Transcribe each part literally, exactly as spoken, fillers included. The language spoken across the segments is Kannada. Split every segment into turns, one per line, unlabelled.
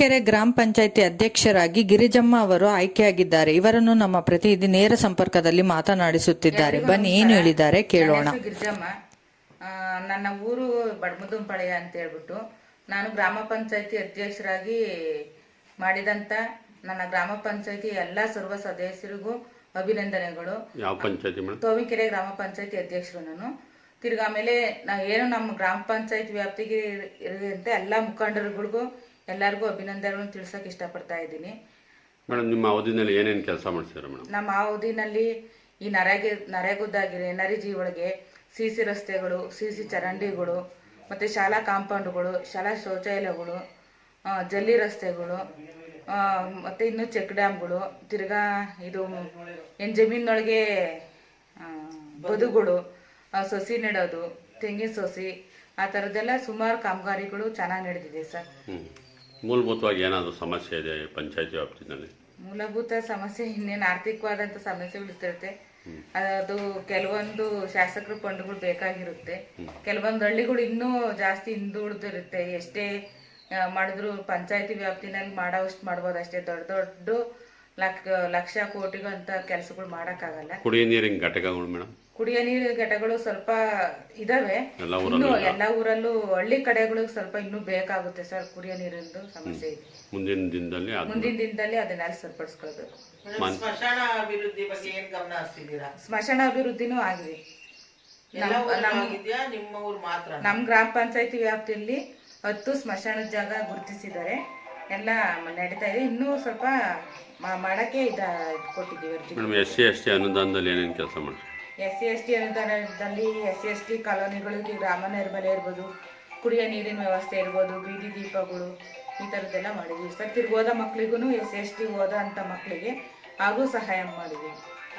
ತೋವಿಕೆರೆ ಗ್ರಾಮ ಪಂಚಾಯಿತಿ ಅಧ್ಯಕ್ಷರಾಗಿ ಗಿರಿಜಮ್ಮ ಅವರು ಆಯ್ಕೆಯಾಗಿದ್ದಾರೆ. ಇವರನ್ನು ನಮ್ಮ ಪ್ರತಿನಿಧಿ ನೇರ ಸಂಪರ್ಕದಲ್ಲಿ ಮಾತನಾಡಿಸುತ್ತಿದ್ದಾರೆ. ಬನ್ನಿ ಏನು ಹೇಳಿದ್ದಾರೆ ಕೇಳೋಣ.
ಗಿರಿಜಮ್ಮ, ನನ್ನ ಊರು ಬಡಮುದುಂಪಾಳ್ಯ ಅಂತ ಹೇಳ್ಬಿಟ್ಟು ನಾನು ಗ್ರಾಮ ಪಂಚಾಯಿತಿ ಅಧ್ಯಕ್ಷರಾಗಿ ಮಾಡಿದಂತ ನನ್ನ ಗ್ರಾಮ ಪಂಚಾಯಿತಿ ಎಲ್ಲಾ ಸರ್ವ ಸದಸ್ಯರಿಗೂ ಅಭಿನಂದನೆಗಳು.
ಯಾವ ಪಂಚಾಯತಿ ಮೇಡಮ್?
ತೋವಿಕೆರೆ ಗ್ರಾಮ ಪಂಚಾಯಿತಿ ಅಧ್ಯಕ್ಷರು ನಾನು. ತಿರ್ಗಾ ಆಮೇಲೆ ನಾವು ಏನು ನಮ್ಮ ಗ್ರಾಮ ಪಂಚಾಯತ್ ವ್ಯಾಪ್ತಿಗೆ ಇರುವಂತೆ ಎಲ್ಲಾ ಮುಖಂಡರುಗಳಿಗೂ ಎಲ್ಲರಿಗೂ ಅಭಿನಂದನೆಗಳನ್ನು ತಿಳಿಸೋಕೆ ಇಷ್ಟಪಡ್ತಾ ಇದ್ದೀನಿ.
ಮೇಡಮ್, ನಿಮ್ಮ ಅವಧಿನಲ್ಲಿ ಏನೇನು ಕೆಲಸ ಮಾಡ್ತೀರಾ ಮೇಡಮ್?
ನಮ್ಮ ಅವಧಿನಲ್ಲಿ ಈ ನರೇಗೆ ನರೇಗುದ್ದಾಗಿರೆ ನರಿಜಿ ಒಳಗೆ ಸಿ ಸಿ ರಸ್ತೆಗಳು, ಸಿ ಸಿ ಚರಂಡಿಗಳು, ಮತ್ತು ಶಾಲಾ ಕಾಂಪೌಂಡ್ಗಳು, ಶಾಲಾ ಶೌಚಾಲಯಗಳು, ಜಲ್ಲಿ ರಸ್ತೆಗಳು, ಮತ್ತು ಇನ್ನು ಚೆಕ್ ಡ್ಯಾಮ್ಗಳು, ತಿರ್ಗಾ ಇದು ಏನು ಜಮೀನೊಳಗೆ ಬದುಗಳು, ಸೊಸಿ ನೆಡೋದು, ತೆಂಗಿನ ಸೊಸಿ, ಆ ಥರದ್ದೆಲ್ಲ ಸುಮಾರು ಕಾಮಗಾರಿಗಳು ಚೆನ್ನಾಗಿ ನಡೆದಿದೆ ಸರ್.
ಮೂಲಭೂತವಾಗಿ ಏನಾದರೂ ಸಮಸ್ಯೆ ಇದೆ ಪಂಚಾಯತಿ ವ್ಯಾಪ್ತಿನಲ್ಲಿ?
ಮೂಲಭೂತ ಸಮಸ್ಯೆ ಇನ್ನೇನು ಆರ್ಥಿಕವಾದಂಥ ಸಮಸ್ಯೆಗಳು ಇರ್ತಿರುತ್ತೆ. ಅದು ಕೆಲವೊಂದು ಶಾಸಕರ ಫಂಡ್ಗಳು ಬೇಕಾಗಿರುತ್ತೆ. ಕೆಲವೊಂದು ಹಳ್ಳಿಗಳು ಇನ್ನೂ ಜಾಸ್ತಿ ಹಿಂದುಳಿದಿರುತ್ತೆ. ಎಷ್ಟೇ ಮಾಡಿದ್ರು ಪಂಚಾಯತಿ ವ್ಯಾಪ್ತಿನಲ್ಲಿ ಮಾಡೋವಷ್ಟು ಮಾಡ್ಬೋದು ಅಷ್ಟೇ. ದೊಡ್ಡ ದೊಡ್ಡ ಲಕ್ಷ ಲಕ್ಷ ಕೋಟಿಗೂ ಅಂತ ಕೆಲಸಗಳು ಮಾಡೋಕ್ಕಾಗಲ್ಲ.
ಕುಡಿಯ ನೀರಿನ ಘಟಕಗಳು ಮೇಡಮ್?
ಕುಡಿಯ ನೀರಿನ ಘಟಕಗಳು ಸ್ವಲ್ಪ ಇದಾವೆ ಇನ್ನು ಎಲ್ಲ ಊರಲ್ಲೂ. ಹಳ್ಳಿ ಕಡೆಗಳಿಗೆ ಸ್ವಲ್ಪ ಇನ್ನೂ ಬೇಕಾಗುತ್ತೆ ಸರ್. ಕುಡಿಯ ನೀರಿಂದು ಸಮಸ್ಯೆ ಇದೆ.
ಮುಂದಿನ ದಿನದಲ್ಲಿ
ಮುಂದಿನ ದಿನದಲ್ಲಿ ಅದನ್ನೆಲ್ಲ ಸರಿಪಡಿಸ್ಕೊಳ್ಬೇಕು.
ಸ್ಮಶಾನ ಅಭಿವೃದ್ಧಿ ಬಗ್ಗೆ ಏನ್ ಗಮನ ಹರಿಸಿದ್ದೀರಾ?
ಸ್ಮಶಾನ ಅಭಿವೃದ್ಧಿನೂ ಆಗಿದೆ.
ನಿಮ್ಮ ಊರು ಮಾತ್ರ?
ನಮ್ ಗ್ರಾಮ ಪಂಚಾಯತಿ ವ್ಯಾಪ್ತಿಯಲ್ಲಿ ಹತ್ತು ಸ್ಮಶಾನದ ಜಾಗ ಗುರುತಿಸಿದ್ದಾರೆ. ಎಲ್ಲ ನಡೀತಾ ಇದೆ. ಇನ್ನೂ ಸ್ವಲ್ಪ ಮಾಡಕ್ಕೆ ಇದ ಕೊಟ್ಟಿದ್ದೀವಿ.
ಎಸ್ ಸಿ ಎಸ್ ಟಿ ಅನುದಾನದಲ್ಲಿ ಏನೇನು ಕೆಲಸ ಮಾಡಿ?
ಎಸ್ ಸಿ ಎಸ್ ಟಿ ಅನುದಾನದಲ್ಲಿ ಎಸ್ ಸಿ ಎಸ್ ಟಿ ಕಾಲೋನಿಗಳಿಗೆ ಗ್ರಾಮ ನೈರ್ಮಲ್ಯ ಇರ್ಬೋದು, ಕುಡಿಯೋ ನೀರಿನ ವ್ಯವಸ್ಥೆ ಇರ್ಬೋದು, ಬೀದಿ ದೀಪಗಳು, ಈ ಥರದ್ದೆಲ್ಲ ಮಾಡಿದ್ವಿ ಸರ್. ತಿರ್ಗಿ ಓದೋ ಮಕ್ಳಿಗೂ ಎಸ್ ಸಿ ಎಸ್ ಟಿ ಓದೋ ಅಂಥ ಮಕ್ಕಳಿಗೆ ಹಾಗೂ ಸಹಾಯ ಮಾಡಿದ್ವಿ.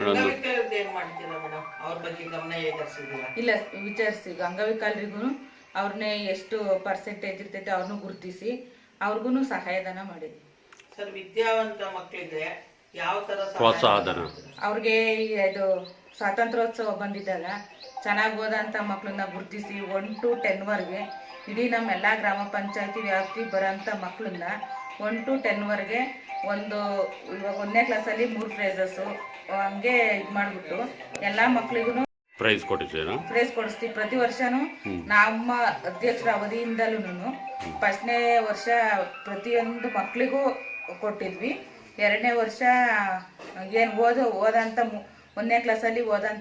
ಇಲ್ಲ, ವಿಚಾರಿಸಿ ಅಂಗವಿಕಲರಿಗೂ ಅವ್ರನ್ನೇ ಎಷ್ಟು ಪರ್ಸೆಂಟೇಜ್ ಇರ್ತೈತೆ ಅವ್ರನ್ನೂ ಗುರುತಿಸಿ ಅವ್ರಿಗೂ ಸಹಾಯಧನ ಮಾಡಿದ್ವಿ
ಸರ್. ವಿದ್ಯಾವಂತ ಮಕ್ಕಳಿಗೆ ಯಾವ ತರ
ಪ್ರೋತ್ಸಾಹಧನ?
ಅವ್ರಿಗೆ ಇದು ಸ್ವಾತಂತ್ರ್ಯೋತ್ಸವ ಬಂದಿದ್ದಲ್ಲ, ಚೆನ್ನಾಗಿ ಓದಂತ ಮಕ್ಕಳನ್ನ ಗುರುತಿಸಿ ಒನ್ ಟು ಟೆನ್ ವರ್ಗೆ ಇಡೀ ನಮ್ಮ ಎಲ್ಲ ಗ್ರಾಮ ಪಂಚಾಯತಿ ವ್ಯಾಪ್ತಿ ಬರೋಂಥ ಮಕ್ಕಳನ್ನ ಒನ್ ಟು ಟೆನ್ ವರ್ಗೆ ಒಂದು ಇವಾಗ ಒಂದನೇ ಕ್ಲಾಸಲ್ಲಿ ಮೂರು ಪ್ರೈಸಸ್ಸು ಹಂಗೆ ಇದು ಮಾಡಿಬಿಟ್ಟು ಎಲ್ಲ ಮಕ್ಕಳಿಗೂ
ಪ್ರೈಸ್ ಕೊಟ್ಟಿದ್ದೀರಾ?
ಪ್ರೈಸ್ ಕೊಡಿಸ್ತೀವಿ ಪ್ರತಿ ವರ್ಷನೂ. ನಮ್ಮ ಅಧ್ಯಕ್ಷರ ಅವಧಿಯಿಂದಲೂ ಫಸ್ಟ್ನೇ ವರ್ಷ ಪ್ರತಿಯೊಂದು ಮಕ್ಕಳಿಗೂ ಕೊಟ್ಟಿದ್ವಿ. ಎರಡನೇ ವರ್ಷ ಏನು ಓದೋ ಓದಂತ ಒಂದನೇ ಕ್ಲಾಸಲ್ಲಿ ಓದಂತ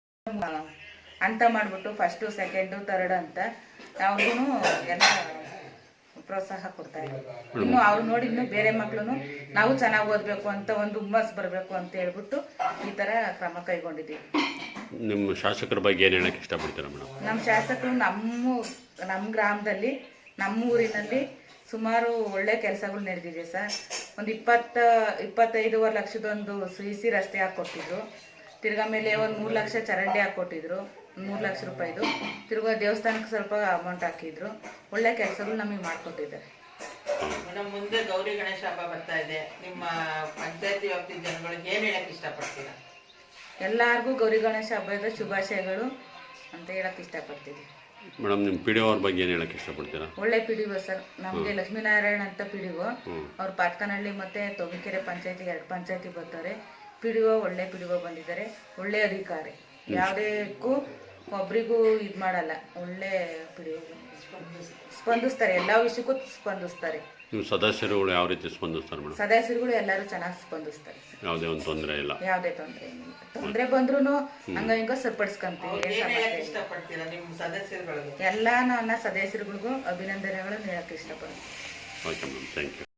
ಅಂತ ಮಾಡಿಬಿಟ್ಟು ಫಸ್ಟು ಸೆಕೆಂಡು ತರ್ಡ್ ಅಂತ ಅವ್ರಿಗೂ ಎಲ್ಲ ಪ್ರೋತ್ಸಾಹ ಕೊಡ್ತಾ ಇದ್ದೀವಿ. ಇನ್ನು ಅವ್ರು ನೋಡಿ ಇನ್ನೂ ಬೇರೆ ಮಕ್ಕಳು ನಾವು ಚೆನ್ನಾಗಿ ಓದಬೇಕು ಅಂತ ಒಂದು ಹುಮ್ಮಸ್ ಬರಬೇಕು ಅಂತ ಹೇಳ್ಬಿಟ್ಟು ಈ ಥರ ಕ್ರಮ ಕೈಗೊಂಡಿದ್ದೀವಿ.
ನಿಮ್ಮ ಶಾಸಕರ ಬಗ್ಗೆ ಏನು ಹೇಳಕ್ಕೆ ಇಷ್ಟಪಡ್ತೀರಾ ಮೇಡಮ್?
ನಮ್ಮ ಶಾಸಕರು ನಮ್ಮ ನಮ್ಮ ಗ್ರಾಮದಲ್ಲಿ ನಮ್ಮ ಊರಿನಲ್ಲಿ ಸುಮಾರು ಒಳ್ಳೆ ಕೆಲಸಗಳು ನಡೆದಿದೆ ಸರ್. ಒಂದು ಇಪ್ಪತ್ತ ಇಪ್ಪತ್ತೈದೂವರೆ ಲಕ್ಷದೊಂದು ಸಿ ಸಿ ರಸ್ತೆ ಹಾಕ್ಕೊಟ್ಟಿದ್ರು. ತಿರ್ಗಾ ಮೇಲೆ ಒಂದು ಮೂರು ಲಕ್ಷ ಚರಂಡಿ ಹಾಕ್ಕೊಟ್ಟಿದ್ರು, ಮೂರು ಲಕ್ಷ ರೂಪಾಯಿದು. ತಿರ್ಗಾ ದೇವಸ್ಥಾನಕ್ಕೆ ಸ್ವಲ್ಪ ಅಮೌಂಟ್ ಹಾಕಿದ್ರು. ಒಳ್ಳೆ ಕೆಲಸಗಳು ನಮಗೆ ಮಾಡಿಕೊಟ್ಟಿದ್ದಾರೆ.
ಮೇಡಮ್, ಮುಂದೆ ಗೌರಿ ಗಣೇಶ ಹಬ್ಬ ಬರ್ತಾ ಇದೆ. ನಿಮ್ಮ ಪಂಚಾಯತಿ ವ್ಯಾಪ್ತಿ ಜನಗಳಿಗೆ ಏನು ಹೇಳಕ್ಕೆ ಇಷ್ಟಪಡ್ತೀರಾ?
ಎಲ್ಲರಿಗೂ ಗೌರಿ ಗಣೇಶ ಹಬ್ಬದ ಶುಭಾಶಯಗಳು ಅಂತ ಹೇಳಕ್ಕೆ ಇಷ್ಟಪಡ್ತೀವಿ.
ಮೇಡಮ್, ನಿಮ್ಮ ಪಿ ಡಿ ಒ ಅವ್ರ ಬಗ್ಗೆ ಏನು ಹೇಳಕ್ಕೆ ಇಷ್ಟಪಡ್ತೀರಾ?
ಒಳ್ಳೆ ಪಿ ಡಿ ಒ ಸರ್. ನಮಗೆ ಲಕ್ಷ್ಮೀನಾರಾಯಣ ಅಂತ ಪಿ ಡಿ ಒ ಅವ್ರು ಪಾತ್ಕನಹಳ್ಳಿ ಮತ್ತು ತೋವಿಕೆರೆ ಪಂಚಾಯತಿ ಎರಡು ಪಂಚಾಯತಿ ಬರ್ತಾರೆ. ಪಿ ಡಿ ಒ ಒಳ್ಳೆ ಪಿ ಡಿ ಒ ಬಂದಿದ್ದಾರೆ. ಒಳ್ಳೆ ಅಧಿಕಾರಿ, ಯಾವುದಕ್ಕೂ ಒಬ್ರಿಗೂ ಇದು ಮಾಡಲ್ಲ. ಒಳ್ಳೆ ಪಿ ಡಿ ಒ ಸ್ಪಂದಿಸ್ತಾರೆ, ಎಲ್ಲ ವಿಷಯಕ್ಕೂ ಸ್ಪಂದಿಸ್ತಾರೆ.
ನೀವು ಸದಸ್ಯರುಗಳು ಯಾವ ರೀತಿ ಸ್ಪಂದಿಸ್ತಾರೆ ಮೇಡಮ್?
ಸದಸ್ಯರುಗಳು ಎಲ್ಲರೂ ಚೆನ್ನಾಗಿ ಸ್ಪಂದಿಸ್ತಾರೆ.
ಯಾವುದೇ ಒಂದು ತೊಂದರೆ ಇಲ್ಲ?
ಯಾವುದೇ ತೊಂದರೆ ಏನಿಲ್ಲ. ತೊಂದರೆ ಬಂದ್ರೂ ಹಂಗ ಹಿಂಗ ಸರಿಪಡಿಸ್ಕೊಂತೀವಿ. ಎಲ್ಲ ನನ್ನ ಸದಸ್ಯರುಗಳಿಗೂ ಅಭಿನಂದನೆಗಳನ್ನು ಹೇಳಕ್ಕೆ ಇಷ್ಟಪಡ್ತೀನಿ.
Okay madam, thank you.